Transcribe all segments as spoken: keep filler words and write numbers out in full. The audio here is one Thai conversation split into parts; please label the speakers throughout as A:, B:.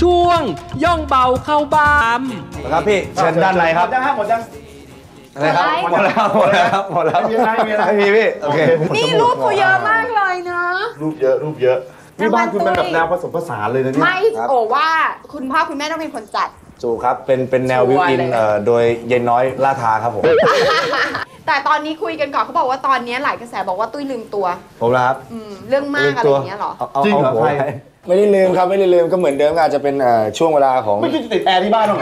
A: ช่วงย่องเบาเข้าบ้าน
B: ครับพี่เชิญด้านในครับหมดยังหมดยังอะไรครับหมดแล้วหมดแล้วหมดแล้วมีอะไรมีอะไรมีพี่โอเค
C: นี่รูปเขาเยอะมากเลยนะ
B: รูปเยอะรูปเยอะนี่บ้านคุณเป็นแบบแนวผสมผสานเลยนะเนี่ย
C: ไม่โอ้ว่าคุณพ่อคุณแม่ต้องเป็นคนจัด
B: จูครับเป็นเป็นแนววิวอินโดยเย็นน้อยล่าทาครับผม
C: แต่ตอนนี้คุยกันก่อนเขาบอกว่าตอนนี้หลายกระแสบอกว่าตุ้ยลืมตัว
B: ผมนะครับ
C: เรื่องมากอะไรอย่างเงี้ยหรอ
B: จริงเหรอไม่ได้ลืมครับไม่ได้ลืมก็เหมือนเดิมอาจจะเป็นช่วงเวลาของไม่คิดจะติดแอร์ที่บ้านหรอ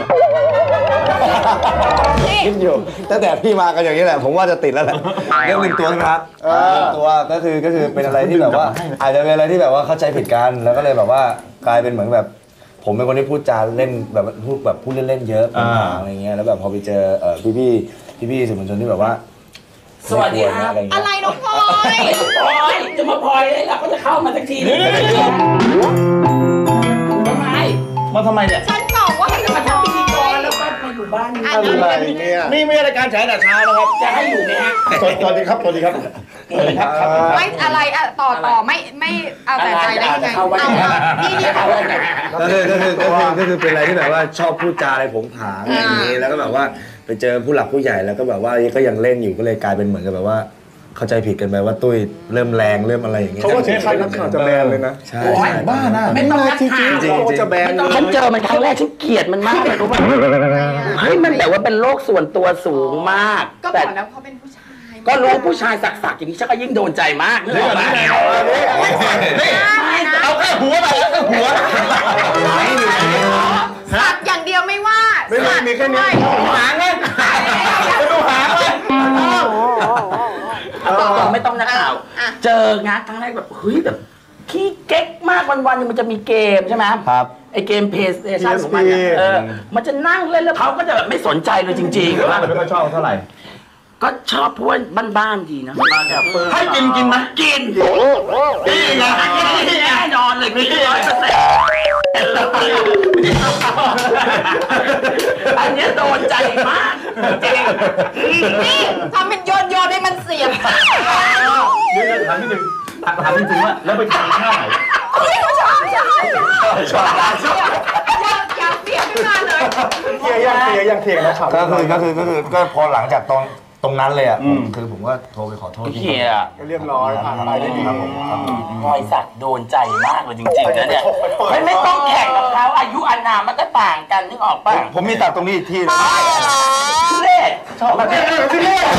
B: คิดอยู่ตั้งแต่พี่มากันอย่างนี้แหละผมว่าจะติดแล้วแหละเรื่องหนึ่งตัวนะครับตัวก็คือก็คือเป็นอะไรที่แบบว่าอาจจะเป็นอะไรที่แบบว่าเข้าใจผิดกันแล้วก็เลยแบบว่ากลายเป็นเหมือนแบบผมเป็นคนที่พูดจาเล่นแบบพูดแบบพูดเล่นๆเยอะอะไรเงี้ยแล้วแบบพอไปเจอพี่พี่พี่พี่สื่อมวลชนที่แบบว่า
D: สวัสดีครับ
C: อะไรน้องพลอย
D: พลอยจะมาพลอยเลยเราก็จะเข้ามาสักทีนึงทำไม
B: มาทำไมเนี่ย
C: ฉันบอกว่าให้
D: มาทำพิธีกรแล้วก็มาอยู่บ้านนี่
B: อะไรเนี่ยนี่ไม่ใช่รายการแฉแต่เช้านะครับ
D: จะให้อยู่ไหมฮะ
B: สวัสดีครับสวัสดีครับ
C: ไม่อะไรอะต่อต่อไม่ไม่เอาแต่ใจได้ยังไงเอานี่นี่เขา
B: ก็คือก็คือก็คือก็คือเป็นอะไรที่แบบว่าชอบพูดจาอะไรผงผางอย่างนี้แล้วก็แบบว่าไปเจอผู้หลักผู้ใหญ่แล้วก็แบบว่าก็ยังเล่นอยู่ก็เลยกลายเป็นเหมือนกับแบบว่าเข้าใจผิดกันไปว่าตุ้ยเริ่มแรงเริ่มอะไรอย่างเงี้ยเขาก็ใช้คำนักข่าวจะแบนเลยนะใช่บ้านะ
D: ไม่ต้องนักข่าว
B: จริงๆจะแบน
D: ฉันเจอมันครั้งแรกฉันเกลียดมันมากเลยรู้ป่ะเฮ้ยมันแบบว่าเป็นโรคส่วนตัวสูงมาก
C: ก็บอกแล้วเขาเป็นผู้ชาย
D: ก็รู้ผู้ชายสักๆอย่างนี้ฉันก็ยิ่งโดนใจมากเลยนะ
B: เอาแค่หัวไปเอาแค่หัว
C: สักอย่างเดียวไม่ว่า
B: ไม่มีมีแค่นี้หางไงดูหางเลย
D: ไม่ต้องนักข่าวเจองานครั้งแรกแบบเฮ้ยแบบขี้เก๊กมากวันๆนึงมันจะมีเกมใช่ไหม
B: ครับ
D: ไอเกมเพย์สเตชันของมันเออมันจะนั่งเล่นแล้วเขาก็จะแบบไม่สนใจเลยจริงๆว่า
B: ไม่ค่อยชอบเท่าไหร่
D: ก็ชอบเพราะว่าบ้านๆดีนะ
B: ให้กินกินไหม
D: กินกินนะแน่นอนเลยกินร้อยเปอร์เซ็นต์อันนี้โดนใจมากจริง
C: นี่ทำเป็นโยนโยนให้มันเสียบ
B: เดี๋ยวถามนิดนึงถามจริงๆว่าแล้วไปกินข้าวไหน
C: ชอบชอบชอบชอบอยากเสียบขึ้นมาเลย
B: เทียยังเทียยังเทียนะก็คือก็คือก็คือก็พอหลังจากตอนตรงนั้นเลยอ่ะคือผมก็โทรไปขอโทษ
D: พี่เคียร์
B: เรียบร้อยผ่านไปได้ดีครับผม
D: พลอยสักโดนใจมากเลยจริงๆนะเนี่ยไม่ต้องแข่งกับเขาอายุอานามมันก็ต่างกันนึกออกป่ะ
B: ผมมีตัดตรงนี้อีกที่นะ
D: ทุเรศชอบทุเรศ
B: ทุเรศ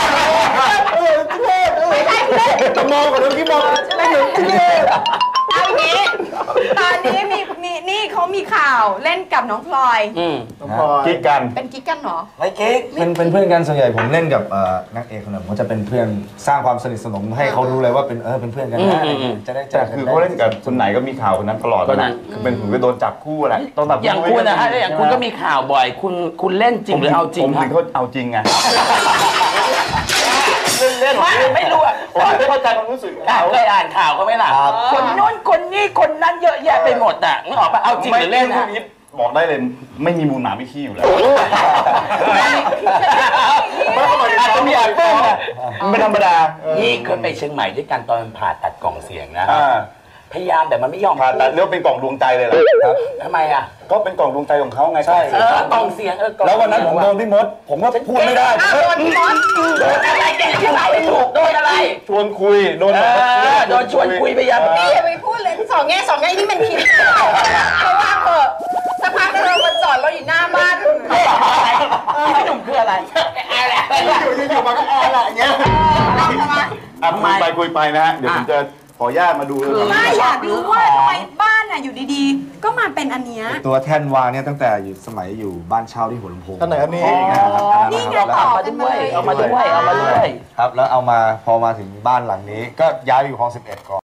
C: ไม่ใช่ทุเรศ
B: จะมองกับเรื่องที่มองไม่เห็นทุเรศ
C: เอาอย่างนี้ตอนนี้มีมีนี่เขามีข่าวเล่นกับน้องพลอย
B: กิ๊กกัน
C: เป็นกิ๊กกันเหรอ
B: ไม่กิ๊กเป็นเป็นเพื่อนกันส่วนใหญ่ผมเล่นกับนักเอกคนหนึ่งผมจะเป็นเพื่อนสร้างความสนิทสนมให้เขารู้เลยว่าเป็นเออเป็นเพื่อนกันนะจะได้แต่คือเขาเล่นกับคนไหนก็มีข่าวคนนั้นตลอดนะคือเป็นผมก็โดนจับคู่แหละ
D: ต้องแบบอย่างคุณนะฮะอย่างคุณก็มีข่าวบ่อยคุณคุณเล่นจริงหรือเอาจริง
B: ครับผมเขาเอาจริงไงเล่น
D: ไม่รู้อ่ะ
B: ไม่เข้าใจความรู้สึก
D: เคยอ่านข่าวเขาไหมล่ะคนโน้นคนนี้คนนั้นเยอะแยะไปหมดอ่ะนึกออกป่ะเอาจริงหรือเล่นนะ
B: บอกได้เลยไม่มีมูลหมาไม่ขี้อยู่แล้วอาจจะมีอาจเป็นไม่ธรรมดา
D: นี่เคยไปเชียงใหม่ด้วยกันตอนผ่าตัดกล่องเสียงนะพยายามแต่มันไม่ยอม
B: ผ่าตัดเรียกเป็นกล่องดวงใจเลยเหรอ
D: ครับทำไมอ่ะ
B: ก็เป็นกล่องดวงใจของเขาไงใช่
D: เออกล่องเสียงเออ
B: แล้ววันนั้นผมโดนพี่มดผมก็พูดไม่ได้
C: โดนพี่มด
D: โดนอะไรแกที่ไหนไม่ถูกโดนอะไร
B: ชวนคุยโดน
D: โดนชวนคุยพยายาม
C: นี่อย่าไปพูดเลยสองแง่สองแง่นี่มันคิดเพราะว่าเออสักพักเรามาจอดเราอยู่หน้าบ้าน
D: พี่หนุ่มคืออะไรอะไร
B: อยู่อยู่มาก็อะไรอย่างเงี้ยอ่ะคุยไปคุยไปนะฮะเดี๋ยวผมจะขอญาตมาดูเลย
C: ไม่อยากรู้ว่าทำไมบ้านน่ะอยู่ดีๆก็มาเป็นอันเนี้ย
B: ตัวแท่นวางเนี่ยตั้งแต่อยู่สมัยอยู่บ้านเช่าที่หัวลำโพงท่านไหนครับนี่
C: นี่ไงต่อ
D: มาด้วยเอามาด้วยเอามาด้วย
B: ครับแล้วเอามาพอมาถึงบ้านหลังนี้ก็ย้ายอยู่คลองสิบเอ็ดก่อน